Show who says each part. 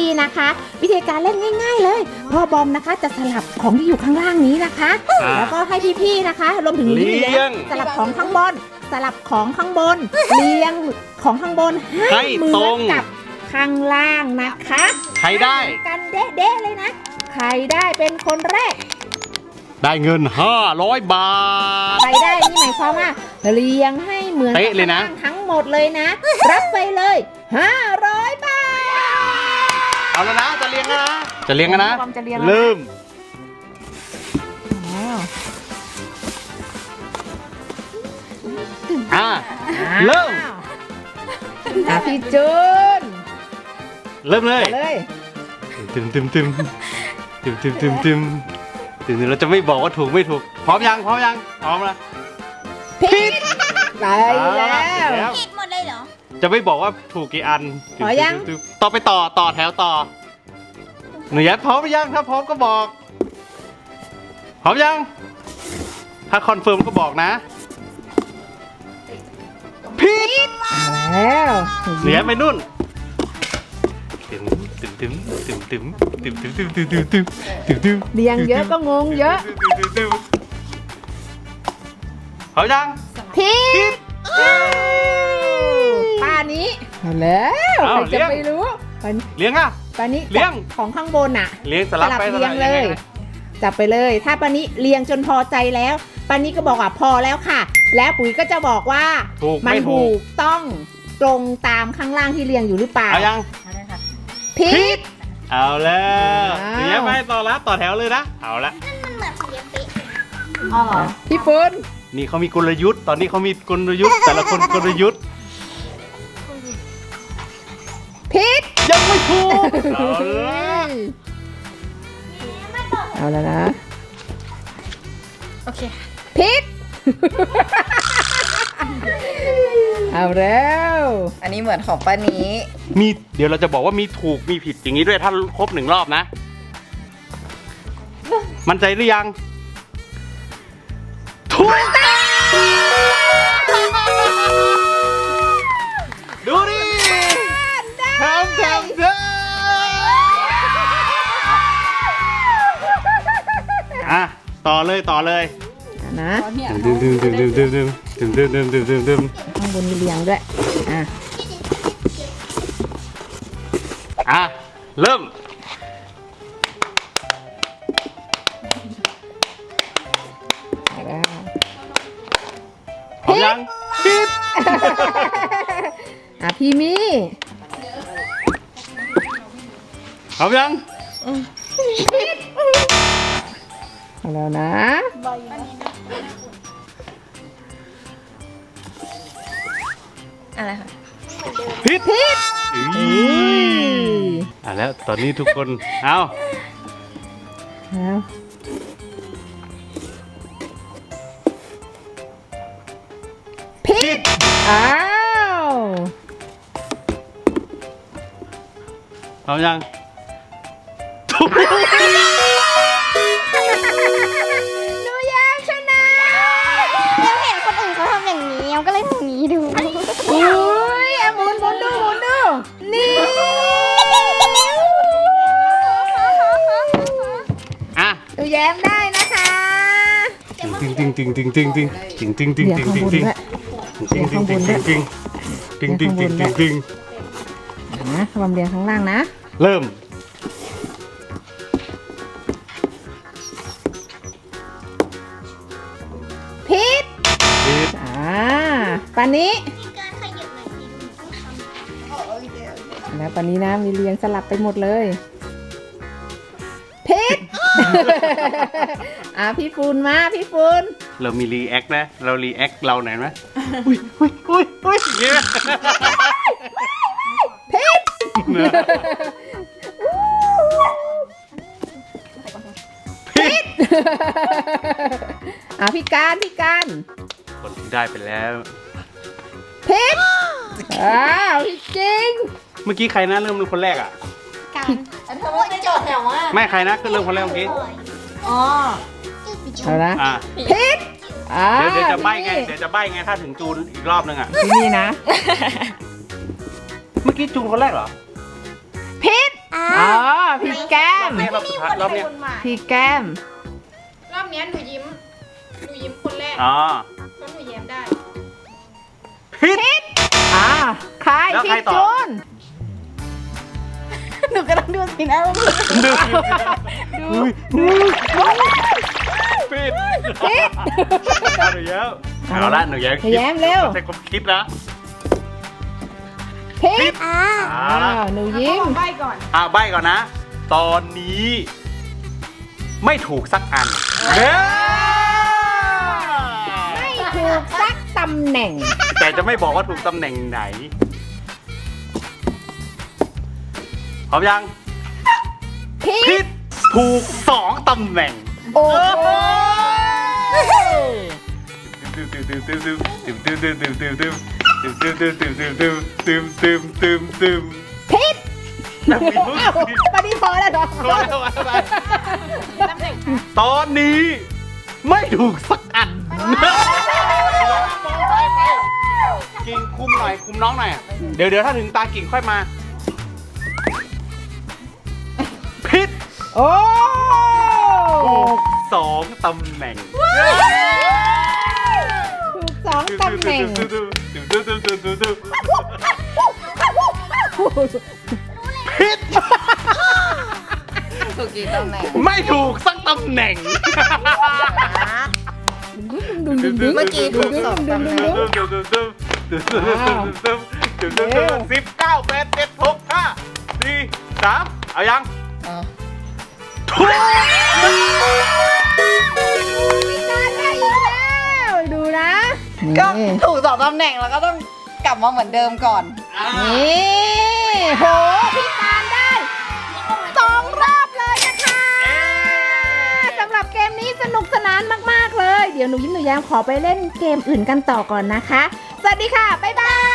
Speaker 1: พี่ๆนะคะ วิธีการเล่นง่ายๆเลยพ่อบอมนะคะจะสลับของที่อยู่ข้างล่างนี้นะคะ แล้วก็ให้พี่ๆนะคะรวมถึงพี่เลี้ยงสลับของข้างบนสลับของข้างบนเรียงของข้างบนให้เหมือนกับข้างล่างนะคะ
Speaker 2: ใครได้
Speaker 1: กันเด๊ะๆเลยนะใครได้เป็นคนแรก
Speaker 2: ได้เงิน500 บาท
Speaker 1: ใครได้นี่หมายความว่าเรียงให้เหมือน
Speaker 2: เป๊ะเลยนะ
Speaker 1: ข้างล่างทั้งหมดเลยนะ รับไปเลย500 บาท
Speaker 2: เอาแล้วนะจะเลี้ยงกันนะจะเลี้ยงกันนะ
Speaker 1: บอมจะเลี้ยงแล้วนะ
Speaker 2: เริ่ม เริ่ม
Speaker 1: พี่จูน
Speaker 2: เริ่มเลย
Speaker 1: เลย
Speaker 2: ตึมตึมตึมตึมตึมตึมตึมตึมเราจะไม่บอกว่าถูกไม่ถูกพร้อมยังพร้อมยังพร้อมแล้ว
Speaker 1: ผิดไปแล้ว
Speaker 3: ผิดหมดเลยเหรอ
Speaker 2: จะไม่บอกว่าถูกกี่อัน
Speaker 1: พอยัง
Speaker 2: ตึมต่อไปต่อแถวต่อหนูยัดพร้อมหรือยังถ้าพร้อมก็บอกพร้อมยังถ้าคอนเฟิร์มก็บอกนะผิด
Speaker 1: แล้ว
Speaker 2: หนูยัดไปนู่นตึมตึมตึมตึมตึมตึมตึมตึมตึมตึมตึมตึมตึม
Speaker 1: เรียงเยอะก็งงเยอะ
Speaker 2: พร้อมยัง
Speaker 1: ผิดป้านี้แล้ว
Speaker 2: เอา
Speaker 1: ใครจะ
Speaker 2: เลี้ยง
Speaker 1: ไม่รู้ป้า
Speaker 2: เลี้ยงอ่ะ
Speaker 1: นี้
Speaker 2: เลี้ยง
Speaker 1: ของข้างบนน่ะ
Speaker 2: เลี้ยงสลับไป
Speaker 1: เรียง
Speaker 2: ส
Speaker 1: เล
Speaker 2: บ
Speaker 1: ย จับไปเลย ถ้าปานี้เรียงจนพอใจแล้วปานี้ก็บอกว่าพอแล้วค่ะ แล้วปุ๋ยก็จะบอกว่า
Speaker 2: ถูก
Speaker 1: มัน
Speaker 2: ไม่ถู
Speaker 1: ถู
Speaker 2: ก
Speaker 1: กต้องตรงตามข้างล่างที่เรียงอยู่หรือเปล่า
Speaker 2: เอายัง
Speaker 1: ผิด
Speaker 2: เอาแล้ว
Speaker 1: อ้าว
Speaker 2: เดี๋ยวไปต่อละต่อแถวเลยนะเอาละ
Speaker 3: มันเหมือนสีเป๊ะ
Speaker 1: พี่ฟุน
Speaker 2: นี่เขามีกลยุทธ์ตอนนี้เขามีกลยุทธ์แต่ละคนกลยุทธ์
Speaker 1: ผิด
Speaker 2: ยังไม่ถูกเอาละ
Speaker 1: เอาแล้วนะ
Speaker 3: โอเค
Speaker 1: ผิด เอาแล้ว
Speaker 4: อันนี้เหมือนของป้านี้
Speaker 2: มีเดี๋ยวเราจะบอกว่ามีถูกมีผิดอย่างนี้ด้วยถ้าครบ1 รอบนะ มั่นใจหรือยังถูกดูดิทำอ่ะต่อเลย
Speaker 1: นะ
Speaker 2: ดึมดึมดึมดึมดึมดึมดึมดึมดึมดึมดึมดึม
Speaker 1: ข้างบนมีเรียงด้วยอ่ะ
Speaker 2: อ่ะเริ่ม
Speaker 1: เอาแล้ว
Speaker 2: พร้อมยังผิด
Speaker 1: อ่ะพี่มี่
Speaker 2: พร้อมยัง
Speaker 1: เอาแล้วนะ
Speaker 4: อะไรคะ
Speaker 2: ผิด
Speaker 1: ผิด
Speaker 2: อ่ะแล้วตอนนี้ทุกคนเอา
Speaker 1: แล้วผิดอ้าว
Speaker 2: พร้อมยังถูก
Speaker 1: หนูอยากชนะ
Speaker 3: แล้วเห็นคนอื่นเขาทำอย่างนี้เราก็เลยทำอย่างนี้ดู
Speaker 1: อุ้ยอ่ะหมุนดูนี่
Speaker 2: อ่ะ
Speaker 1: หนูแย้มได้นะคะ
Speaker 2: ตึงตึงตึงตึงตึงตึงตึงตึงตึง
Speaker 1: เดี๋ยว
Speaker 2: ตึง
Speaker 1: ข้าง
Speaker 2: ตึง
Speaker 1: บน
Speaker 2: ตึง
Speaker 1: ด้วย
Speaker 2: ตึงตึงตึงตึงตึงตึงตึงตึงตึง
Speaker 1: นะบอมเรียงข้างล่างนะ
Speaker 2: เริ่ม
Speaker 1: ผิด
Speaker 2: ผิด
Speaker 1: ปานนี้
Speaker 3: มีการขยับหน่อยสิดูต้องทำ
Speaker 1: แล้วปานนี้นะมีเรียงสลับไปหมดเลยผิด พี่ฟูนมาพี่ฟูน
Speaker 2: เรามีรีแอคนะเรารีแอคเราไหนอยไหมอุ้ยอุ้ยอุ้ยอุ้ยเนี่ย
Speaker 1: ผิด
Speaker 2: ผิด
Speaker 1: พี่การ
Speaker 2: คนที่ได้ไปแล้ว
Speaker 1: ผิดพี่จริง
Speaker 2: เมื่อกี้ใครนะเริ่มเป็นคนแรกอ่ะ
Speaker 3: การเธอว่าโจทย์แถวว่า
Speaker 2: ไม่ใครนะก็เริ่มคนแรกเมื่อกี้
Speaker 4: อ๋อ
Speaker 1: เอาละ
Speaker 2: อ่ะ
Speaker 1: ผิด
Speaker 2: เดี๋ยวจะใบ้ไง
Speaker 1: พี่
Speaker 2: เดี๋ยวจะใบ้ไงถ้าถึงจูนอีกรอบนึงอ่ะ
Speaker 1: พี่นี่นะ
Speaker 2: เมื่อกี้จูนคนแรกเหรอ
Speaker 1: ผิดอ๋อพี่แก้ม
Speaker 2: รอบสุดท้ายรอบเนี้ย
Speaker 1: พี่แก้ม
Speaker 5: รอบเนี้ยหนูยิ้มคนแรก
Speaker 2: อ๋อ
Speaker 5: เพราะหนูแย้มได้
Speaker 2: ผิด
Speaker 1: ใคร
Speaker 2: แล้วใคร
Speaker 1: พี่
Speaker 2: ต่อ
Speaker 1: จูน
Speaker 3: หนูกำลังดูสินะ
Speaker 2: ดูผิดหนูแย้มเอาละหนูแย้ม
Speaker 1: หนูแย้มเร็ว
Speaker 2: ใช้ความคิดนะ
Speaker 1: พิษ
Speaker 2: เอาละ
Speaker 1: หนูยิ้ม
Speaker 5: ใบก่อน
Speaker 2: ใบก่อนนะ ตอนนี้ไม่ถูกสักอันเด้อ
Speaker 1: ไม่ถูกสักตำแหน่ง
Speaker 2: แต่จะไม่บอกว่าถูกตำแหน่งไหนพร้อมยัง
Speaker 1: พิ
Speaker 2: ผิ
Speaker 1: ษ
Speaker 2: ดถูก2ตำแหน่ง
Speaker 1: โอ้โห พิษปฏิพอแล้วเหรอ
Speaker 2: ตอนนี้ไม่ถูกสักอันกิ่งคุมหน่อยคุมน้องหน่อยเดี๋ยวถ้าถึงตากิ่งค่อยมาผิด
Speaker 1: โอ้
Speaker 2: ถูก2ตำแหน่ง
Speaker 1: ถูกสองตำแหน่ง
Speaker 2: ผิด
Speaker 4: ถูกกี่ตำแหน่ง
Speaker 2: ไม่ถูกสักตำแหน่ง
Speaker 4: เมื่อกี้ถูก2ตำแหน่ง
Speaker 2: 19 8 7 6 5 4 3เอายัง
Speaker 4: อ๋อ
Speaker 2: ถูก
Speaker 1: ดูนะ
Speaker 4: ก็ถูก2ตำแหน่งแล้วก็ต้องกลับมาเหมือนเดิมก่อน
Speaker 1: นี่โหพี่ตาลได้2 รอบเลยนะคะสำหรับเกมนี้สนุกสนานมากๆเลย เดี๋ยวหนูยิ้มหนูแย้มขอไปเล่นเกมอื่นกันต่อก่อนนะคะ สวัสดีค่ะ บ๊ายบาย